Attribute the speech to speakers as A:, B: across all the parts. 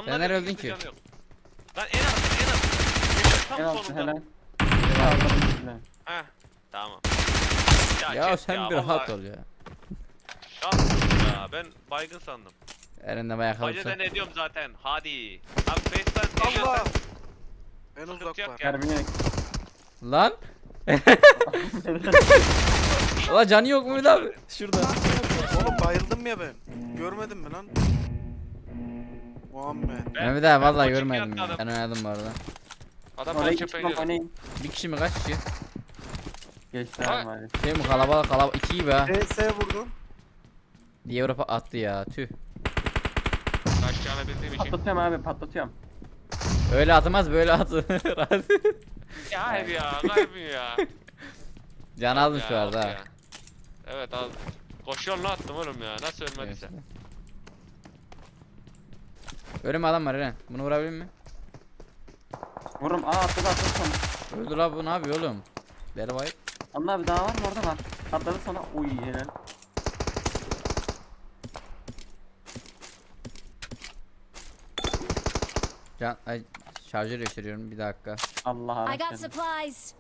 A: Adamlar
B: nereye
A: da
B: öldün
A: ikisi
B: ki?
A: canı yok. Lan en az.
C: En
A: Tam
C: altı
A: solunda.
C: helal. Kaldırdım.
A: Heh tamam.
B: Ya
A: chat
B: sen bir rahat
A: vallahi
B: ol ya.
A: şanslısın ya, ben baygın sandım.
B: Eren de bayağı
A: Bacı
B: kalıpsa.
A: da ne diyorum zaten, hadi. Abi base'den
D: Allah.
A: geliyorsan
D: En
A: sıkıntı
D: uzak
A: yok
D: var.
A: ya.
C: Mermiye.
B: Lan. Ulan canı yok muydu abi? Şurada.
D: Oğlum bayıldım ya ben. Görmedin mi lan? Muhammed.
B: Mehmet abi vallahi
A: koçuk
B: görmedim
A: yattı
B: ya.
A: adam.
B: Ben oynadım bu arada.
A: Adam
C: Oraya
A: açıp
C: gittim oynayayım.
B: Bir kişi mi kaç kişi?
C: Geçti
A: Ha.
C: abi maalesef.
B: Şey mi kalabalık iki gibi ha.
D: DS vurdum.
B: Diye Avrupa attı ya tüh.
A: Kaçacağını bildiğim için.
C: Patlatıyorum abi patlatıyorum.
B: Öyle atmaz böyle atı.
A: Ya hayır ya, kalbim ya.
B: Can almış
A: Ya,
B: şu arada
A: yok
B: ha.
A: ya. Evet al. Koşu yolunu attım oğlum ya, nasıl ölmediyse.
B: Ölüm adam var Eren. Bunu vurabilir mi?
C: Vururum. Atladı sonra.
B: Öldü la bu ne yapıyor oğlum? Bervay.
C: Anla abi daha var mı orada var. Atladı sonra. Uy helal.
B: Can ay, şarjör yaşarıyorum bir dakika.
C: Allah
E: I got
C: Allah.
E: supplies.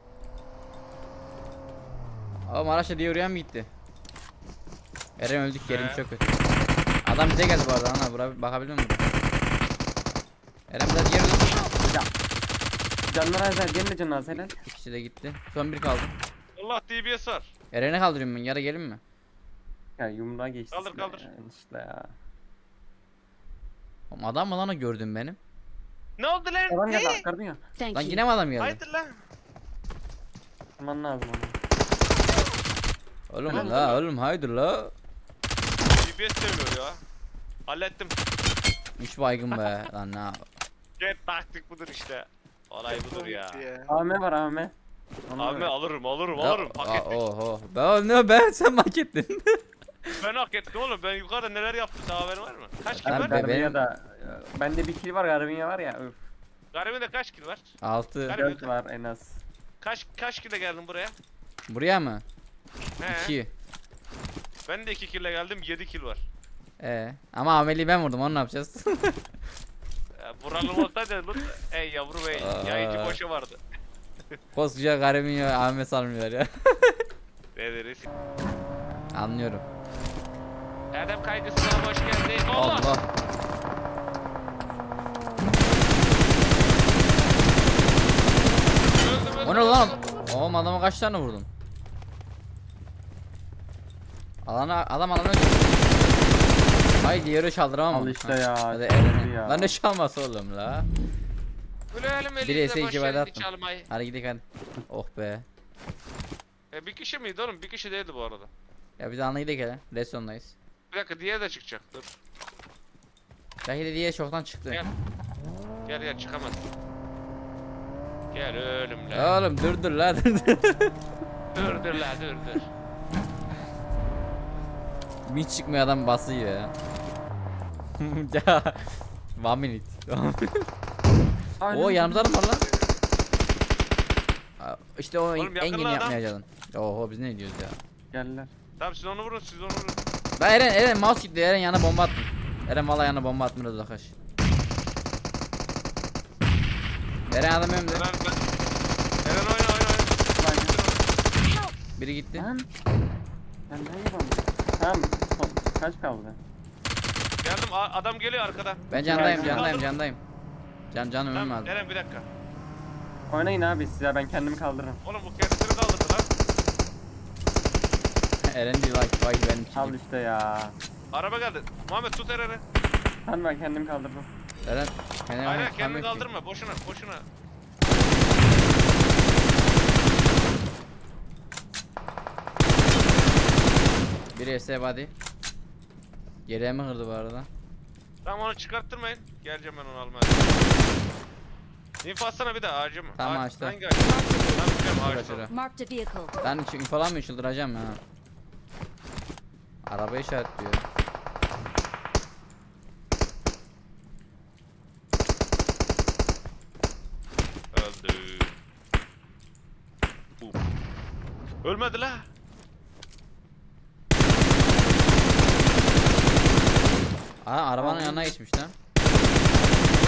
B: Ama Maraş'a diye uğrayan mı gitti? Eren öldük yerimiz çok kötü. Adam bize geldi bu arada ana bura bakabiliyor musun? Eren biraz geri dön.
C: Canlar azer. Gelin de canlar helal.
B: İkisi de gitti. Son bir kaldı.
A: Allah DBS var.
B: Eren'i kaldırıyorum ben ya da gelin mi?
C: Ya yumruğa geçti.
A: Kaldır, kaldır.
C: İşte ya.
B: Oğlum adam mı lan o gördüm benim?
A: Ne oldu lan?
C: Adam geldi
A: Ne?
C: arkadan ya.
E: Thank
B: Lan
E: you.
B: yine mi adam geldi?
A: Haydi lan.
C: Tutman lazım onu.
B: Oğlum
A: Helal
B: la
A: olsun.
B: oğlum haydi la.
A: DBS seviyor ya. Hallettim.
B: 3 baygın be lan ne yap-
A: Get taktik budur işte. Olay budur ya.
C: AM var AM.
A: Abi alırım
B: Ya,
A: alırım. Hak ettim.
B: Oho. Ben sen hak ettin.
A: Ben hak ettim oğlum. Ben yukarıda neler yaptım, sana haberin var mı? Kaç kill
B: Ben
A: var?
B: be-
C: Garbinya da. Bende bir kill var Garbinya var ya. Öf.
A: Garibi'de kaç kill var?
B: 6.
A: Garip.
C: 4 var en az.
A: Kaç kill'e geldin buraya?
B: Buraya mı?
A: He.
B: 2.
A: Ben de 2 kill'e geldim, 7 kill var.
B: Ama Ameli'yi ben vurdum onu ne yapacağız?
A: Vuralım olsaydı lut. Ey yavru bey,
B: Aa.
A: yayıncı boşa vardı.
B: Koskoca garibin Ahmet salmıyorlar ya.
A: Ne deriz?
B: Anlıyorum.
A: Erdem kaygısına hoş geldin. Allah!
B: Allah.
A: Öldüm,
B: O ne lan? Oğlum adama kaç tane vurdun? Adam alana öldü. Haydi yarı çaldıramam.
C: Al işte ya.
B: Hadi
C: öldü
B: Eren'e.
C: ya.
B: Lan ne çalması oğlum la.
A: Gülelim
B: Biri ese
A: elinizle
B: iki bayda
A: başlayın
B: attım.
A: çalmayı.
B: Hadi gidelim hadi. Oh be.
A: Bir kişi miydi oğlum? Bir kişi değildi bu arada.
B: Ya biz anla gidelim hele. Resondayız.
A: Bir dakika, diğeri de çıkacak. Dur.
B: Belki de diye çoktan çıktı.
A: Gel. Gel çıkamaz. Gel ölümle.
B: Oğlum dur la dur.
A: Dur la dur.
B: Hiç çıkmıyor adam basıyor ya. Ya. 1 minute. O yanımızda da var lan. İşte o
A: Oğlum,
B: engin
A: yakın lan adam.
B: yapmayacaksın. Oho biz ne diyoruz ya.
C: Geldiler.
A: Tamam siz onu vurun, siz onu vurun.
B: Ben Eren mouse gitti. Eren yana bomba attım. Eren vallahi yana bomba atmıyor uzaklaş. Eren adam önümde.
A: Eren oyna.
B: Biri gitti.
C: Lan. Ben ne yapayım? Tamam. Kaç kaldı?
A: Geldim, adam geliyor arkadan.
B: Ben candayım. Can ölmem
A: Tamam
B: lazım.
A: Eren bir dakika.
C: Oynayın abi siz ya ben kendimi kaldırırım.
A: Oğlum bu kendisini kaldırdı lan.
B: Eren değil like vay benim
C: Al
B: için.
C: işte ya.
A: Araba geldi. Muhammed tut Eren'i.
C: Ben kendimi kaldırdım.
B: Eren.
A: Aynen kendini kaldırma. Boşuna.
B: Biri S body. Geriye mi kırdı bu arada?
A: Tamam onu çıkarttırmayın. Geleceğim ben onu almaya. İnfo atsana bir de ağacı mı?
B: Tamam,
A: Ağaç-
B: açtı.
A: Hangi ağaç? Tamam biliyorum
B: Şura
A: ağaçta.
B: şura.
E: Marked a vehicle.
B: Ben hiç infolanmıyor çıldıracağım ya. Araba işaretliyor.
A: Öldü. Ölmedi la.
B: Aa arabanın yanına geçmiş lan.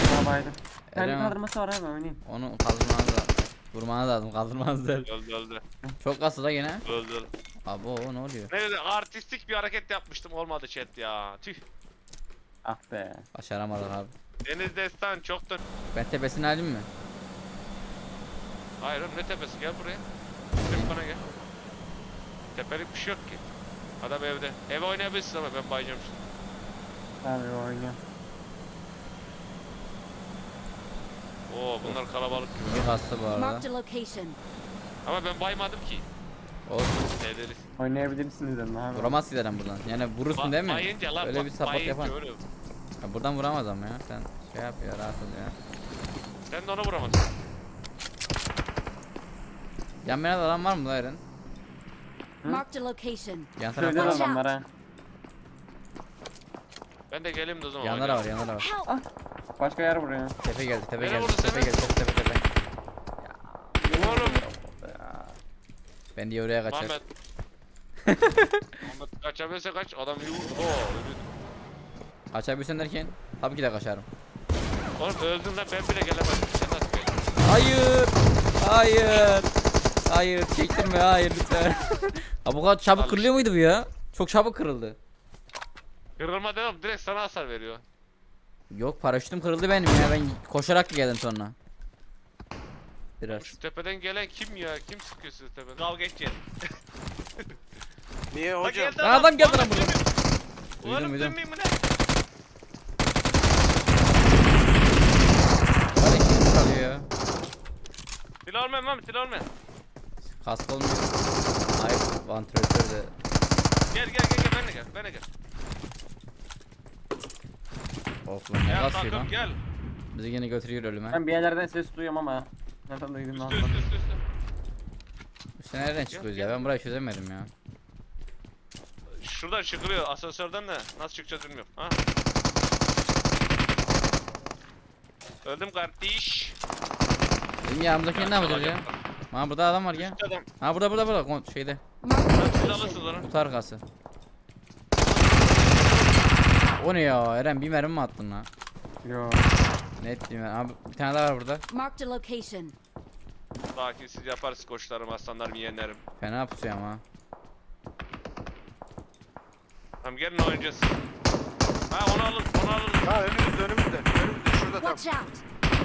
C: Kendi
B: Eren
C: kaldırması var abi oynayın.
B: onu kaldırmanız lazım. Vurmanız lazım, kaldırmanız lazım.
A: Öldü.
B: Çok kastı da gene.
A: Öldü.
B: Abi o ne oluyor?
A: Neyse artistik bir hareket yapmıştım olmadı chat ya. Tüh.
C: Ah be.
B: Başaramadık abi.
A: Deniz Destan çoktan.
B: Ben tepesini alayım mı?
A: Hayır oğlum ne tepesi gel buraya. Gel bana gel. Tepelik bir şey yok ki. Adam evde. Eve oynayabilirsin ama ben bayacağım şimdi.
C: Abi oynuyor.
A: Oo bunlar kalabalık gibi.
B: Bir kastı bu arada.
E: Marked a location.
A: Ama ben baymadım ki.
B: Olsun.
A: Deliriz.
C: Oynayabilirsiniz dedim abi.
B: Vuramaz ki Eren buradan. Yani vurursun değil mi?
A: Bayınca lan
B: Öyle bir support
A: bayınca
B: yapan.
A: öyle.
B: Ya buradan vuramaz ama ya. Sen şey yap ya, rahat ol ya.
A: Sen de ona vuramadın.
B: Yan binada adam var mı lan Eren?
C: Hı?
E: Marked a location.
B: Yan
C: Söyler
B: tarafta
E: Watch
C: adamlar ha.
A: Ben de geleyim de o zaman.
B: yanlara var,
A: oynayalım.
B: yanlara var.
E: Help!
C: Başka yer vuruyor.
B: Tepe geldi, tepe
A: Nereye
B: geldi,
A: vurdu
B: tepe
A: seni?
B: geldi, tepe.
A: Oğlum.
B: Ben diye oraya kaçar.
A: Muhammed. Muhammed kaçabilirse kaç. Adam iyi vurdu. Oo öldü.
B: Kaçabilsen derken tabii ki de kaçarım.
A: Oğlum öldün lan ben bile gelemedim. Sen nasıl geldin?
B: Hayır! Hayır! Hayır, çektirme, hayır lütfen. Ha bu kadar çabuk
A: Al
B: kırılıyor muydu bu ya? Çok çabuk kırıldı.
A: Kırılma devam direkt sana hasar veriyor.
B: Yok, paraşütüm kırıldı benim ya, ben koşarak geldim sonra. Biraz.
A: Şu tepeden gelen kim ya? Kim sıkıyor sizi tepeden? Kavga edeceğiz.
D: Niye
A: Bak
D: hocam?
A: geldi
B: Lan adam geldi lan
A: Muhammed,
B: buraya.
A: dönmeyin. Oğlum
B: Duydum.
A: dönmeyin mi ne?
B: Hadi kim kalıyor ya?
A: Silah almayın lan silah almayın.
B: Kask olmuyor. Hayır, vantilatör de.
A: Gel benle gel benle gel.
B: Of lan ne
A: Gel
B: kasıyor lan?
A: kankam gel.
B: Bizi yine götürüyor ölüme.
C: Ben bir yerlerden ses duyuyorum ama. Nereden duydum
A: Üstü
C: anlamadım.
A: üstü.
B: İşte nereden çıkıyoruz ya? Ben burayı çözemedim ya.
A: Şuradan çıkılıyor asansörden de nasıl çıkacağız bilmiyorum. Ha? Öldüm kardeş.
B: Bizim yanımızdaki ne yapacağız ya? Ha burada adam var ya.
A: Üstte adam.
B: Ha burada şeyde.
E: Marked a
A: Lan siz
E: location.
A: alırsınız onu.
B: Kutu arkası. O ne ya? Eren bir mermi mi attın lan?
C: Yo.
B: Net bir mermi. Abi bir tane daha var burada.
E: Marked a location.
A: Sakin siz yaparız koçlarım aslanlarım yeğenlerim.
B: Fena pusuyor ama.
A: Tamam gelin oynayacağız. Ha onu alın
D: Ha önümüzde şurada tam.
E: Watch out!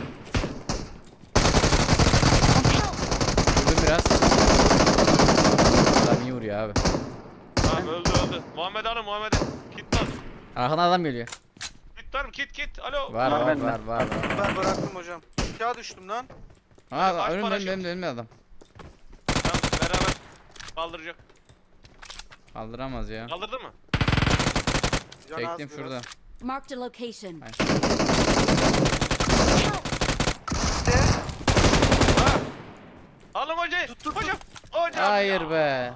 B: Vurdum biraz. Adam iyi vuruyor abi.
A: Tamam öldü. Muhammed alın Muhammed'i. Kit var.
B: Arkadan adam geliyor.
A: Kit var mı kit. Alo.
B: Var
C: Var
B: var
C: bende.
B: var.
D: Ben bıraktım hocam. Aşağı düştüm lan.
B: Ha
A: Kaç
B: önümde
A: paraşüt?
B: önümde adam.
A: Tamam beraber kaldıracak.
B: Kaldıramaz ya.
A: Kaldırdı mı?
D: Can az
B: Çektim
D: biraz.
B: şurada.
E: Marked a location.
B: Hayır.
E: Help!
D: İşte.
A: Ha. Alın hocayı.
D: Tut.
A: Hocam. Hocam.
B: Hayır
A: ya.
B: be.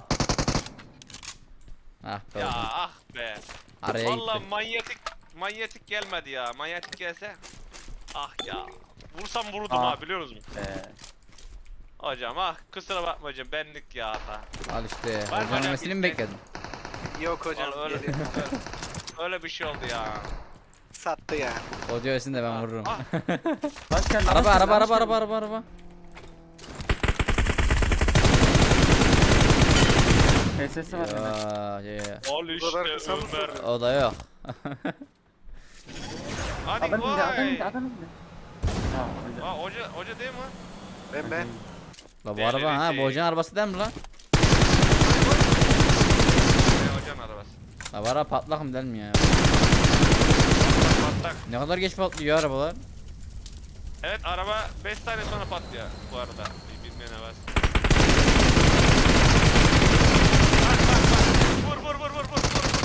B: Ah be.
A: Ya
B: oğlum.
A: ah be.
B: Araya
A: Vallahi
B: gitti.
A: manyetik gelmedi ya. Manyetik gelse. Ah ya. Vursam vurdum
C: Ah.
A: ha biliyor musun? Hocam kusura bakma hocam benlik ya hata.
B: Al işte.
A: Var mı
B: Hocanın
A: hocam
B: ölmesini mi
A: gitti?
B: bekledin?
D: Yok hocam.
A: Vallahi öyle,
D: geliyor.
A: öyle bir şey oldu ya.
D: Sattı ya.
B: Hoca ölsün de ben vururum.
A: Ah.
C: Baş geldi.
B: Araba.
C: PS'si var ya.
B: Ya.
A: Al
D: Bu kadar
A: işte
D: kısa mı
A: Ömer.
D: sürdü?
B: O da yok.
A: Hadi
C: Adam indi, adam
A: vay.
C: indi, adam indi. Ha, hocam.
A: Hoca değil mi?
D: Ben.
B: La bu araba ha, bu hocanın arabası değil mi lan?
A: Hocanın arabası.
B: La bu araba patlak mı değil mi ya?
A: Patlak.
B: Ne kadar geç patlıyor arabalar?
A: Evet araba 5 saniye sonra patlıyor bu arada. Bilmeyene var. Bak. Vur.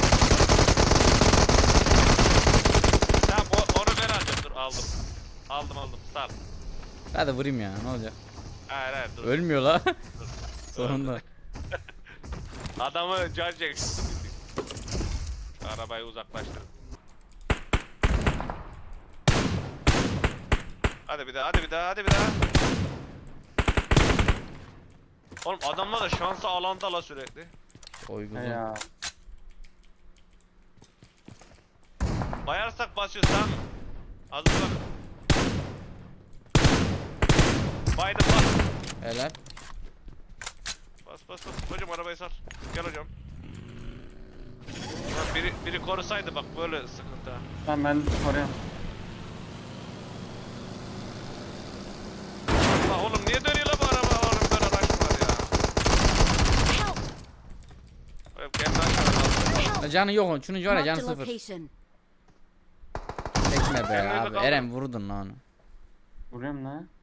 A: Tamam onu ben alacağım dur aldım. Aldım sal.
B: Hadi vurayım ya, ne olacak?
A: Hayır dur.
B: Ölmüyor la. Sonunda.
A: Adamı charge yakıştırdım bildik. Şu arabayı uzaklaştır. Hadi bir daha. Oğlum adamlar da şansı alanda la sürekli.
B: Oy kuzum.
C: Ya.
A: Bayarsak basıyoruz tamam mı? Hazır bak. Baydım bas.
B: Helal.
A: Bas bas bas. Hocam arabayı sar. Gel hocam. Ulan biri korusaydı bak böyle sıkıntı ha.
C: Tamam ben koruyorum.
A: Allah oğlum niye dönüyor la bu araba? Oğlum böyle araç mı var ya?
E: Help!
A: Oğlum kendi aşağıda kaldı.
B: La canı yok onun. Şunun var ya
E: Marked
B: canı
E: a
B: sıfır.
E: location.
B: Çekme be
A: Kendine
B: abi.
A: kaldır.
B: Eren vurdun lan onu.
C: Vuruyorum lan.